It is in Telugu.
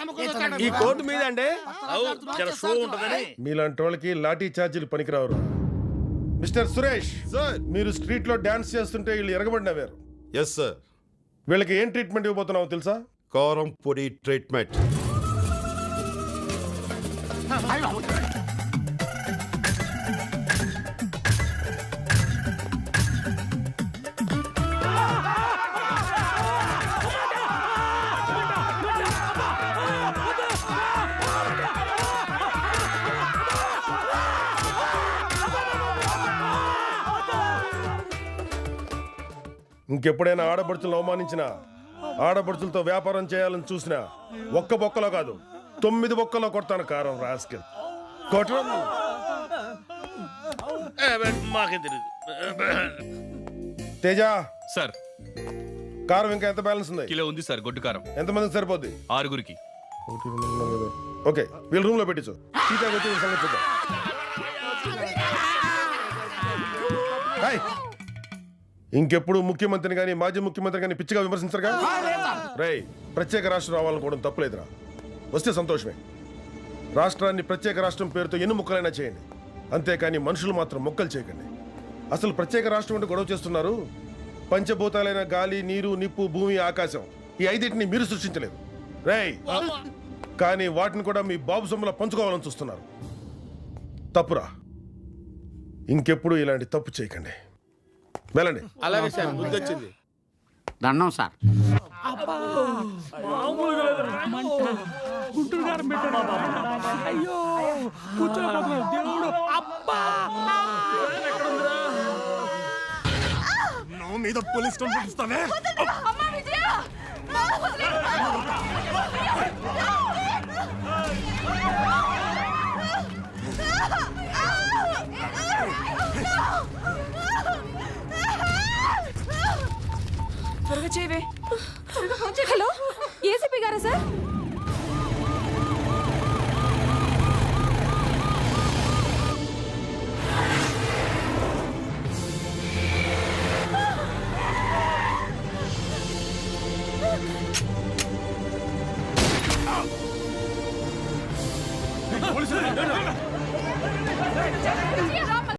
ఈ కోర్టు మీద అంటే షో ఉంటదని. మీలాంటి వాళ్ళకి లాఠీ ఛార్జీలు పనికిరావరు. Mister Suresh sir. మీరు స్ట్రీట్ లో డాన్స్ చేస్తుంటే వీళ్ళు ఎరగబడినవారు. Yes sir. వీళ్ళకి ఏం ట్రీట్మెంట్ ఇవ్వబోతున్నావు తెలుసా? కారం పొడి ట్రీట్మెంట్. ఇంకెప్పుడైనా ఆడపడుచులను అవమానించినా, ఆడపడుచులతో వ్యాపారం చేయాలని చూసినా ఒక్క బొక్కలో కాదు 9 బొక్కలో కొడతాను కారం రాస్కెల్. మాకేం తెలియదు. తేజ సార్ కారం ఇంకా ఎంత బ్యాలెన్స్ ఉంది? కిలో ఉంది సార్. గొడ్డు కారం ఎంతమందికి సరిపోద్ది? 6గురికి. ఓకే, వీళ్ళ రూమ్ లో పెట్టించు. టీకా వచ్చి వీళ్ళ సంగతి చూద్దాం. హాయ్. ఇంకెప్పుడు ముఖ్యమంత్రిని కానీ మాజీ ముఖ్యమంత్రి కానీ పిచ్చిగా విమర్శించరుగా. రేయ్, ప్రత్యేక రాష్ట్రం రావాలనుకోవడం తప్పులేదురా. వస్తే సంతోషమే. రాష్ట్రాన్ని ప్రత్యేక రాష్ట్రం పేరుతో ఎన్ని ముక్కలైనా చేయండి, అంతేకాని మనుషులు మాత్రం మొక్కలు చేయకండి. అసలు ప్రత్యేక రాష్ట్రం అంటే గొడవ చేస్తున్నారు. పంచభూతాలైన గాలి, నీరు, నిప్పు, భూమి, ఆకాశం, ఈ 5 మీరు సృష్టించలేదు రేయ్. కానీ వాటిని కూడా మీ బాబు సొమ్ములా పంచుకోవాలని చూస్తున్నారు. తప్పురా. ఇంకెప్పుడు ఇలాంటి తప్పు చేయకండి. వెళ్ళండి. అలాగే సార్, బుద్ధి వచ్చింది. దండం సార్. మీద పోలీస్ కంప్లైంట్ ఇస్తావే? త్వరగా చేయవే. హలో, ఏసీపీ గారా సార్?